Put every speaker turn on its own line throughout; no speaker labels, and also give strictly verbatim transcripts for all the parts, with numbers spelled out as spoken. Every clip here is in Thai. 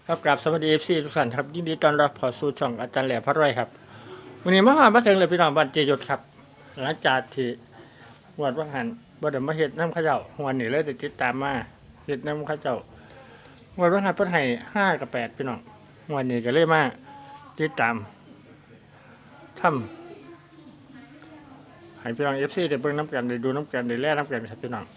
ครับกราบสวัสดีเอฟซีทุกท่านครับยินดีต้อนรับเข้าสู่ช่องอาจารย์แหล่พระรวยครับวันนี้มาหามาถึงเลยพี่น้องบ้านเจยศครับหลังจากที่วัดวังหันบ่ได้มาเฮ็ดน้ำข้าวเจ้าวันนี้เลยได้ติดตามมาเฮ็ดน้ำข้าวเจ้าวัดวังหันเพิ่นให้ห้ากับแปดพี่น้องวันนี้ก็เลยมาติดตามทำให้พี่น้องเอฟซีได้เบิ่งน้ำกันได้ดูน้ำกันได้แล่น้ำกันครับพี่น้อง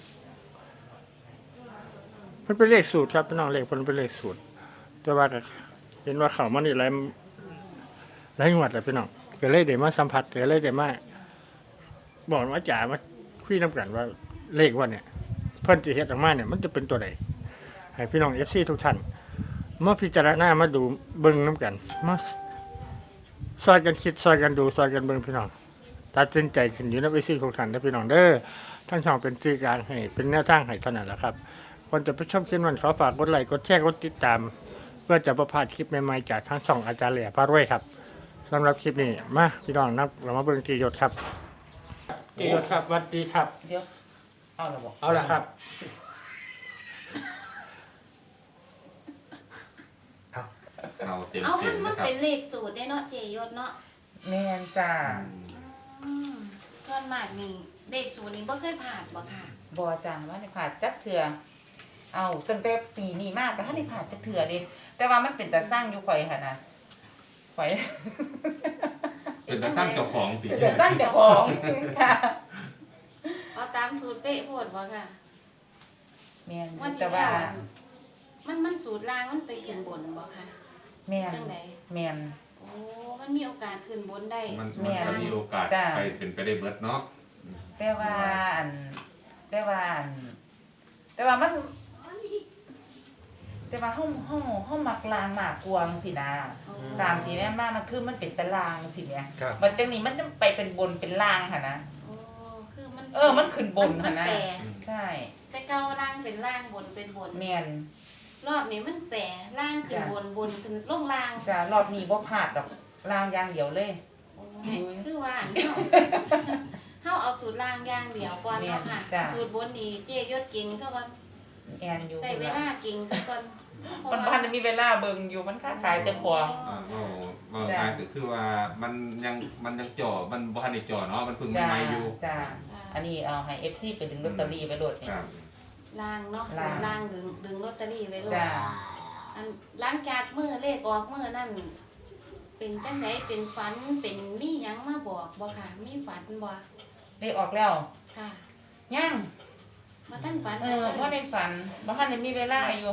เพิ่นเป็นเลขสูตรครับพี่น้องเลขเพิ่นเป็นเลขสูตรแต่ว่าก็เห็นว่าเขามันนี่หลายหลายงวดแล้วพี่น้องก็เลยได้มาสัมผัสก็เลยได้มาบอกว่าจ๋ามาคุยน้ำกันว่าเลขว่าเนี่ยเพิ่นสิเฮ็ดออกมาเนี่ยมันจะเป็นตัวใดให้พี่น้อง เอฟ ซี ทุกท่านมาพิจารณามาดูเบิ่งน้ำกันมาซอยกันคิดซอยกันดูซอยกันเบิ่งพี่น้องตัดสินใจขึ้นอยู่ใน เอฟ ซี ทุกท่านนะพี่น้องเด้อทั้งช่องเป็นสื่อกลางให้เป็นแนวทางให้เท่านั้นแหละครับคนจะไปชมคลิปนั้นขอฝากกดไลค์กดแชร์กดติดตามเพื่อจะประพลาดคลิปใหม่ๆจากทั้งช่องอาจารย์แหล่พระรวยครับสำหรับคลิปนี้มาพี่น้องนับเรามาเบิ่งจียศครับจียศครับสวัสดีครับ
เดี๋ยวเอาละบอก
เอาละครับ
เอาเต็ม
เอา
เต็
มัน
ม
มั
นะ
น
ครับ
เป็นเลขสูตรได้เนาะเจยศเนาะ
แมนจ้า
อืมส่วนมากนี่เลขสูตรนี้บ่เคยผ่านบ่ค่ะ
บอจ้าว่าในผ่าจักเถื่อเอาตั้งแต่ปีนี้มากแต่ถ้าในผ่าจักเถื่อดิแต่ว่ามันเป็นแต่สร้างอยู่ข่อยค่ะนะข่อย
เป็นตาสร้างเจ้าของปี
เป็นแต่สร้างเจ้าของค่ะ
เอาตามสูตรเป๊ะโพดบ่ค่ะ
แมน
ว่าที่
แต่ว่า
แล้วมันมันสูตรล่างมันไปขึ้นบนบ่ค่ะ
แมน
จังได
แมน
โอ้มันมีโอกาสขึ้นบนได้
มัน
แม่
มันก็มีโอกาส
จ้ะ
ไปเป็นไปได้เบิดเนาะ
แต่ว่าอันแต่ว่าอันแต่ว่ามัน แต่ว่าห้องห้องห้องมักลางหมากกวางสินะ
โอ้
ตามที่แม่มามันคือมันเป็นตารางสิเนี่ย
ครับ
มันจังนี้มันจะไปเป็นบนเป็นล่างค่ะนะ
โอ้คือมัน
เออมันขึ้นบน
มั
ค่ะ
น
นะ
แปร
ใช่
แต่เก่าล่างเป็นล่างบนเป็นบน
แมน
รอบนี้มันแปรล่างขึ้น
จ้ะ
บนบนขึ้นลงล่าง
จะรอบนี้บ่พลาดดอกล่างอย่างเดียวเลย
โอ้คือว่าอันเฮา เฮาเอาสูตรล่างอย่างเดียวก่อนเนาะค่ะ
จ้ะ
สูตรบนนี่เจยศเก่งซะก่อน
แอนอยู่
ใส่เวลาเก่งซะก่อน
มันบ้านมีเวลาเบิ่งอยู่มันค้าขายเต็มพวง
อ่าเอาเอา
จ้ะ
ง่ายก็คือว่ามันยังมันยังจ่อมันบ่ทันได้จ่อเนาะมันเพิ่ง
จ้า
ใหม่ๆอยู่
จ้าอันนี้เอาให้ เอฟ ซี ไปดึงลอตเตอรี่ไปโหลดนี่
ครับ
ล่างเนาะสู
ล่าง
ตรล่างดึงดึงลอตเตอรี่ไว้เลย
จ้า
อันหลังจากมื้อเลขออกมื้อนั่นเป็นจังไดเป็นฝันเป็นมีหยังมาบอกบ่ค่ะ มีฝันบ่
ได้ออกแล้ว
ค่ะ
ยัง
บ่ทันฝัน
เออบ่ได้ฝันบ่ทันได้มีเวลาอยู่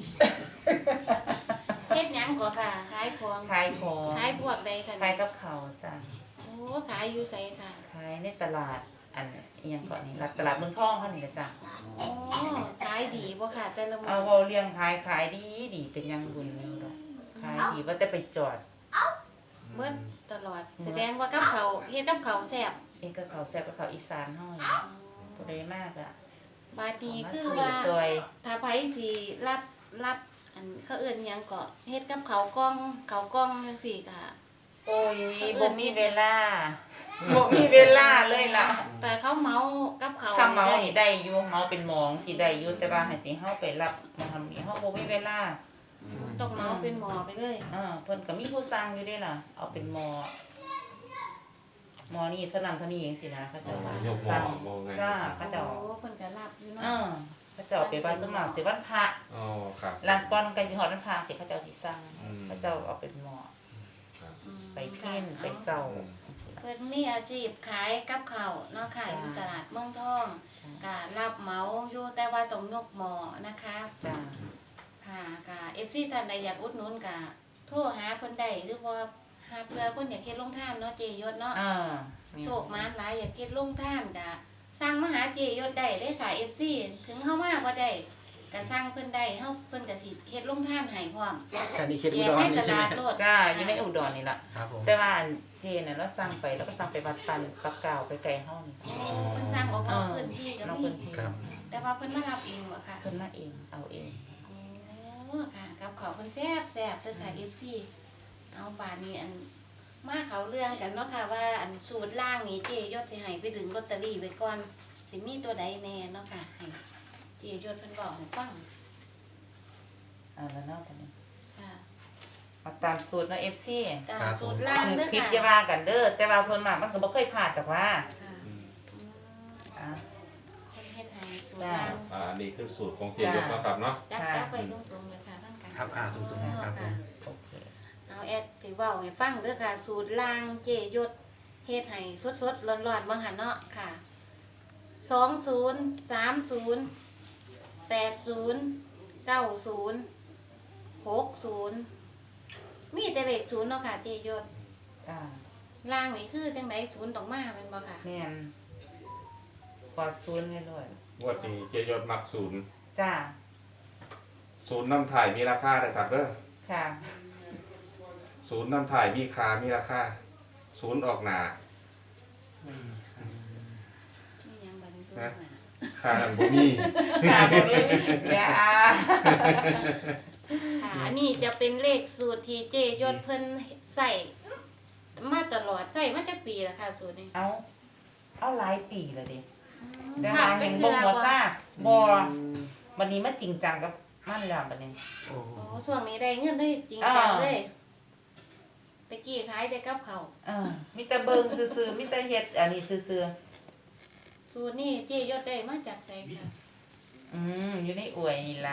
เฮ็ดหยังก็ค่ะขายของ
ขายของ
ขายพวกใดค่ะ
ขายกับเขาวจ้า
โอ้ขายอยู่ไสค่ะ
ขายในตลาดอันอีหยังก่อนนี่ตลาดเมืองทองเฮานี่ล่ะจ้า
โอ้ขายดีบ่ค่ะ แต่ละมื้
เอา
อ
เว้าเลี้ยงขายขายดีดีเป็นยังบุญอยู่ดอกขายดีว่าแต่ไปจอด
เบิดตลอด แสดงว่ากับเขาวเฮ็ดกับเขาวแซ่บ
เองก็เขาแซ่บก็เขาอีสานเฮานี่ผู้ใดมากอ่ะ
บาดนี้
มา
คือ
ซื้อ
ว่า
ซอย
ถ้าไผสิรับรับอันเขาเอิ้นหยังก็เฮ็ดกับเขาวกล้องเขาวกล้องจังซี่ก็
โอ้ยบ่มีเวลาบ่มีเวลาเลยล่ะ
แต่เขาเมากับเขาว
ถ้าเมา
ได้
นี่ได้อยู่เมาเป็นหมองสิได้อยู่แต่ว่าให้สิเฮาไปรับมาทำนี่เฮาบ่มีเวลา
อืมต้องเมาเป็นหมอไปเลย
อ่าเพิ่นก็มีผู้สร้างอยู่เด้ล่ะ เอาเป็นหมอหมอนี่เท่านั้นเท่านี้เองสินะเขาเจ้าว่า
โยกหม
ส
อ
ร้าง
มองไง
จ้าเขาเจ้า
โอ้เพิ่นก็รับอยู่เนาะ
อ่าเขาเจ้าไปบ้านสมากสิวันพระ
อ๋อครับ
หลังก่อนใกล้สิฮอดวันพระสิเขาเจ้าสิสร้าง
อืม
เขาเจ้าเอาเป็นหมอ
ครับ
อืม
ไปเพ่นไปเศร้า
เพิ่นมีอาชีพขายกับข้าวเนาะค่ะอยู่ตลาดเมืองทองก็รับเหมาอยู่แต่ว่าต้องยกหมอนะคะ
จ้า
ค่ะก็ เอฟ ซี ท่านใดอยากอุดหนุนก็โทรหาเพิ่นได้หรือว่าหาเพื่อเพิ่นอยากเฮ็ดลงทานเนาะเจยศเนาะ
อ่า
โชคมานหลายอยากเฮ็ดลงทานก็สั่งมาหาเจยศได้เด้อค่ะ เอฟ ซี ถึงเฮามาบ่ได้ก็สั่งเพิ่นได้เฮาเพิ่นก็สิเฮ็ดลงทานให้พร้อม
แค่นี้คิด
แย
อุ
ก
ดร
ให้
นี่
ต
ใช่ไหม
ลาดโลด
จ้าอยู่ในอุดรนี่ล่ะ
ครับผม
แต่ว่าอันเจเนี่ยเราสั่งไปแล้วก็สั่งไปวัดปันปักกาวไปไกลห้อง
โอ้เพิ่นสั่งออกนอกพื้นที่ก็
น้อง
มี
เพิ่นที่
ครับ
แต่ว่าเพิ่นมารับเองบ่ค่ะ
เพิ่นมาเองเอาเอง
โอ้ค่ะกับข้าวเพิ่นแซ่บแซ่บเด้อค่ะ เอฟ ซี เอาป่านนี้อันมาเขาเรื่องกันเนาะค่ะว่าอันสูตรล่างนี้เจยศสิให้ไปดึงลอตเตอรี่ไว้ก่อนสิมีตัวใดแน่เนาะค่ะให้เจยศเพิ่นบอกให้ฟัง
เอาแล้วเนาะตอนนี้
ค่ะ
เอาตามสูตรเนาะ เอฟ ซี
จ้า
ครับ
สูตรล่าง
คือ
เด้อ
คลิป
ค่ะ
อย่าว่ากันเด้อแต่ว่าเพิ่นมามันก็บ่เคยพลาดจากว่า
ค่ะ
อืม
อืม
อ่า
คนเฮ็ดให้สูตร
จ้า
ล่าง
อ่าอันนี้คือสูตรของเจยกนะครับเนาะ
จับ
ค่ะ
จับไปตรงๆเลยค่ะทั้งกัน
ครับอ่าตรงๆครับผม
โอเค
เอาแอดสิเว้าให้ฟังเด้อค่ะ สูตรล่างเจยศเฮ็ดให้สดๆร้อนๆบ่หั่นเนาะค่ะสองศูนย์ สามศูนย์ แปดศูนย์ เก้าศูนย์ หกศูนย์มีแต่เลขศูนย์เนาะค่ะเจยศ
จ้า
ล่างนี่คือจังไดศูนย์ต้องมาแม่นบ่ค่ะ
แม่นกอดศูนย์ไว้ด้วย
งวดนี้เจยศมักศูนย์
จ้า
ศูนย์น้ำถ่ายมีราคาเลยครับเด้อ
ค่ะ
ศูนย์น้ำถ่ายมีค่ามีราคาศูนย์ออกหนา
นี่ยังบัดนี้ศูนย์
ฮะ
มา
ค่าหนังบ่มี
ค่ะบ่มีอย่า
ค่ะอันนี้จะเป็นเลขสูตรที่เจยศเพิ่นใส่มาตลอดใส่มาจากปีละค่ะสูตรนี้
เอาเอาหลายปีแล้วดิ
อืม
แต่
ผ่า
ว่าน
ไป
เห็น
เทื่
บ่
อ
หัว
บ่
ซ่าบ่วันนี้มาจริงจังกับมันแล้วบัดนี้
โอ้
โอ้ช่วงนี้ได้เงินได้จริงจังเลยตะกี้ใช้แต่กับเขาว
เออมีแต่เบิ่งซื่อๆมีแต่เฮ็ดอันนี้ซื่อ
สูตรนี้เจยศได้มาจากไสค่ะ
ๆอืมอยู่ในอวยนี่ล่ะ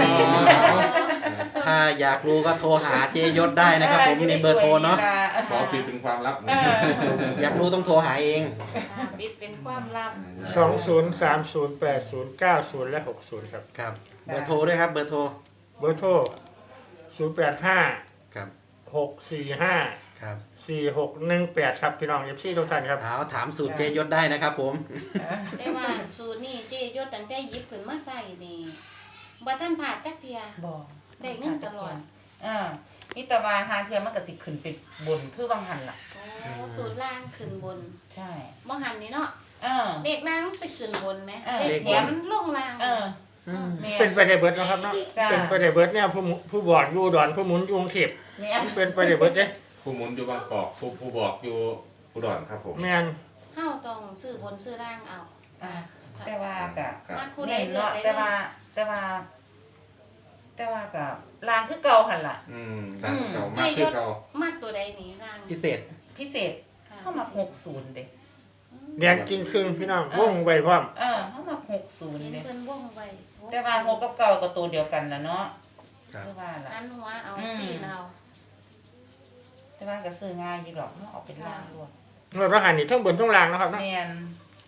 ถ้าอยากรู้ก็โทรหาเจยศได้นะครับ ผมมีเบอร์โทรเนาะ
ขอปิดเป็นความลับ
เออ
อยากรู้ต้องโทรหาเอง
อ่าปิดเป็นความลับ
สองศูนย์ สามศูนย์ แปดศูนย์ เก้าศูนย์ และหกศูนย์ครับ
ครับ เบอร์โทรด้วยครับ เบอร์โทร
เบอร์โทรศูนย์แปดห้า
ครับ
หกสี่ห้า
ครับ
สี่หกหนึ่งแปดครับพี่น้องเอฟซีทุกท่านครับ
เอาถามสูตรเจยศได้นะครับ ผม
แต่ว่าสูตรนี้เจยศตั้งแต่หยิบขึ้นมาใส่นี่บ่ทันผ่าดจักเที่ย
บ่
ได้เงินตลอด
เอ่านี่แต่ว่าหาเทื่อมันก็สิขึ้นไปบนคือวังหันล่ะ
โอ้สูตรล่างขึ้นบน
ใช่
บ่หันนี่เนาะ
เออ
เด็กล่างไปขึ้นบนไหม
เออ
เด็ก
เลขบน
หัวมันลงล่าง
เออ
อืม
แม่
เป็นไปได้เบิร์ดนะครับเนาะ
จ้า
เป็นไปได้เบิร์ดเนี่ยผู้หมุผู้บอดอยู่อุดอนผู้หมุนอยู่กรุงเทพ
แม่
เป็นไปได้เบิร์ดเด้
ผู้หมุนอยู่บางกอกผู้ผู้บอกอยู่อุดรครับผม
แม่น
เฮาต้องซื้อบนซื้อล่างเอา
อ่าแต่ว่าก็
ครับ
มาคู่ใด
เน้น
เลือก
เนาะ
ได้
แต่ว่าแต่ว่า แต่ว่าก็ลางคือเก่าหั่นล่ะ
อืมดังเก่ามากคือเก่าม
ากตัวใดนี่ล่าง
พิเศษ
พิเศษ
ค่ะ
เข้ามาหกสิบเด้
แดงกินครึ่งพี่น้องวงไว้พร้อม
เออเข้ามาหกสิบ
เห็น
เด้
เพิ่นวงไว้
แต่ว่าหกกับเก่าก็ตัวเดียวกันล่ะเนาะ
ครับ
คือว่าล่ะ
อันหัวเอา
อืม
ตีนเอา
แต่ว่าก็ซื้อง่ายอยู่หรอกเนาะเอาเป็นลางรวด
เมื่อพระหันนี่ทั้งบนทั้งล่างนะครับเนาะ
แม่น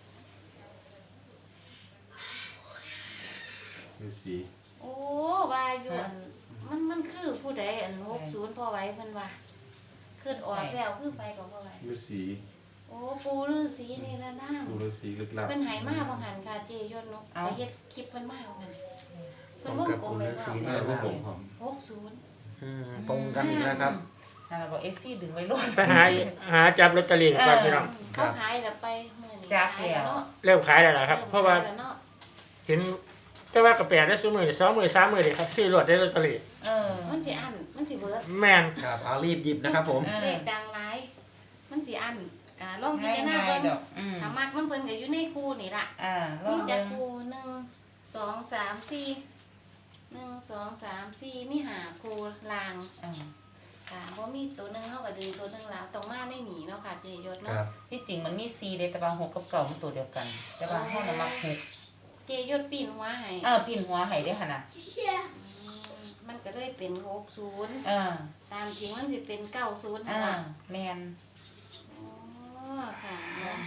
ดูสี
โอ้ว่าอยู่อันมันมันคือผู้ใดอันหกศูนย์พอไว้เพิ่นว่าขึ้นออกแล้วคือไปก็บ่ไหว
ดูสี
โอ้ปูฤาษีนี่ละนาง
ดูดูสีลึกลับ
เพิ่นใหายมาบ่หันค่ะเจยศนกไปเฮ็ดคลิปเพิ่นมาบ่หันเพิ่นวงกลมไว้
ตรงกับปูฤาษี
ว่า
เออพวกผมผม
หกศูนย์
อืมตรงกันอีกแล้วครับ
นั่นล่ะบอก เอฟ ซี ดึงไว้รวด
ไปหาหาจับลอตเตอรี่ก่อนพี่น้อง
เขาขายแล้วไปมื้อนี้
จัก
ขายแล้วเนาะ
เริ่มขายแล้วล่ะครับ เพราะว่า
ขยแล้วเนาะ
เห็นแต่ว่ากระแปดได้ซื้อมือสองมือสามมือเลยครับซื้อรถได้ลอตเตอรี่
เออ
มันสิอันมันสิเบิด
แม่น
ครับ เอารีบหยิบนะครับ ผม
เออ
เลขดังหลาย มันสิอันกะลองพิ
ง่าย
จารณา
ง่าย
เบิ่ง
ดอกอืม
ถ้ามักมันเพิ่นก็อยู่ในคู่นี่ล่ะ
อ่าลอ
มี
ง
จั
เบิ่
ก
ง
คู่หนึ่ง สอง สาม สี่หนึ่ง สอง สาม สี่มีห้าคู่ลาง
อ่า
ค่ะบ่มีตัวหนึงเฮาก็ดึงตัวหนึงแล้วต้องมาในหนีเนาะค่ะเจยศ
ค
เนาะ
รับ
ที่จริงมันมีซีเด้แต่ว่าหกกับเก่ามันตัวเดียวกัน แต่ว่าห้องน่ะมักหก
เจยศปีนหัวให้
เออปีนหัวให้เด้อหั่นน่ะ
อืมมันก็เลยเป็นหกศูนย์
อ่า
ตามจริงมันสิเป็นเก้าศูนย์
อ่า
ค่ะ
แม่น
อ๋อค่ะเนาะ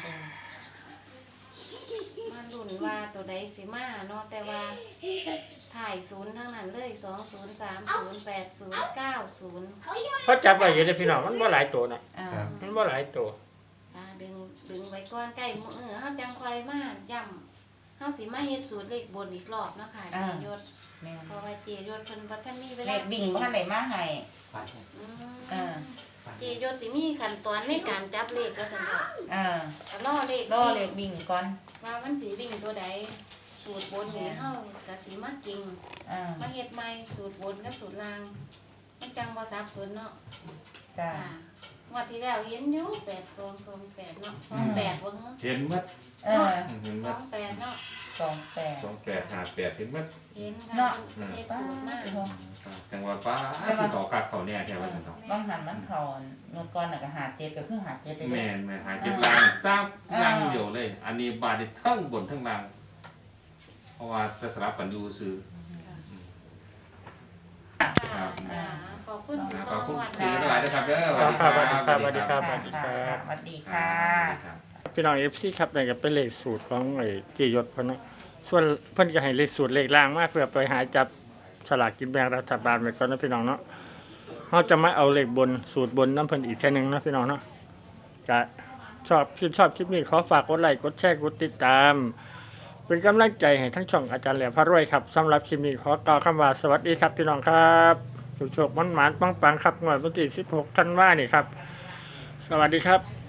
มาลุ้นว่าตัวใดสิมาเนาะแต่ว่าถ่ายศูนย์ทั้งนั้นเลยสองศูนย์สามศูนย์แปดศูนย์เก้าศูนย์
เพราะจับไว้อยู่ในพี่น้องมันบ่หลายตัวน่ะ
อ่า
ครับ
มันบ่หลายตัว
อ่าดึงดึงไว้ก่อนใกล้มื้อเออเฮาจังค่อยมาย่ำเฮาสิมาเฮ็ดสูตรเลขบนอีกรอบเนาะค่ะเจยศ
แม่น
เพราะว่าเจยศเพิ่นบ่ทันมีเว
เล
ลา
ขบิ่งบ่ทันได้มาให้
อืม
อ่า
เจยศสิมีขั้นตอนในการจับเลขก็ซั่นดอก
อ่า
ก็รอเลข
รอเลขบิ่งก่อน
ว่ามันสิวิ่งตัวใดสูตรบนนี่เฮาก็สิมากิ่ง
อ่า
มาเฮ็ดใหม่สูตรบนกับสูตรล่างมันจังบ่สับสนเนาะ
จ้า
ค่ะงวดที่แล้วเห็นอยู่แปดสองสองแปดเนาะสองแปดบ่เหรอ
เห็นมัด
เออ
เห็น
ส
มั
อ
ด
งแปดเนาะ
สองแปด
สองแปดหาแปดเห็นมัด
เห็น
เนาะ
ค่ะเฮ็ด
ป้า
สูตรมา
ด
จังหวัดฟ้าที่เขาคักเขาเนี่ยแค่ว่าจังเขา
บางหันมันเขาเมื่อก่อนน่ะก็หาเจ็ดก็คือหาเจ็ดได้
แม
เด้
นแมนหาเจ็บล่างตามล่างเดียวเลย อันนี้บาดนี่ทั้งบนทั้งล่าง เพราะว่าจะสลับกันอยู่ซื้อ
ค่ะอ่าขอบคุณ
นะ
ต่
ขอบคุณ
วัน
คุณหลายๆนะครับเด้อ
ครับครับสวัสดีครับ
ค่ะค่ะสวัสดีค่ะ
พี่น้องเอฟซีครับนี่ก็เป็นเลขสูตรของไอ้เจยศเพิ่นเนาะส่วนเพิ่นก็ให้เลขสูตรเลขล่างมาเพื่อไปหาจับสลากกินแบ่งรัฐบาลไว้ก่อนนะพี่น้องเนาะเฮาจะมาเอาเลขบนสูตรบนน้ำเพิ่นอีกแค่นึงเนาะพี่น้องเนาะก็ชอบคิดชอบคลิปนี้ขอฝากกดไลค์กดแชร์กดติดตาม เป็นกำลังใจให้ทั้งช่องอาจารย์แหลมพระรวยครับสำหรับคลิปนี้ขอกล่าวคำว่าสวัสดีครับพี่น้องครับโชคๆมันๆปังๆครับงวดวันที่สิบหกธันวาคมนี่ครับสวัสดีครับ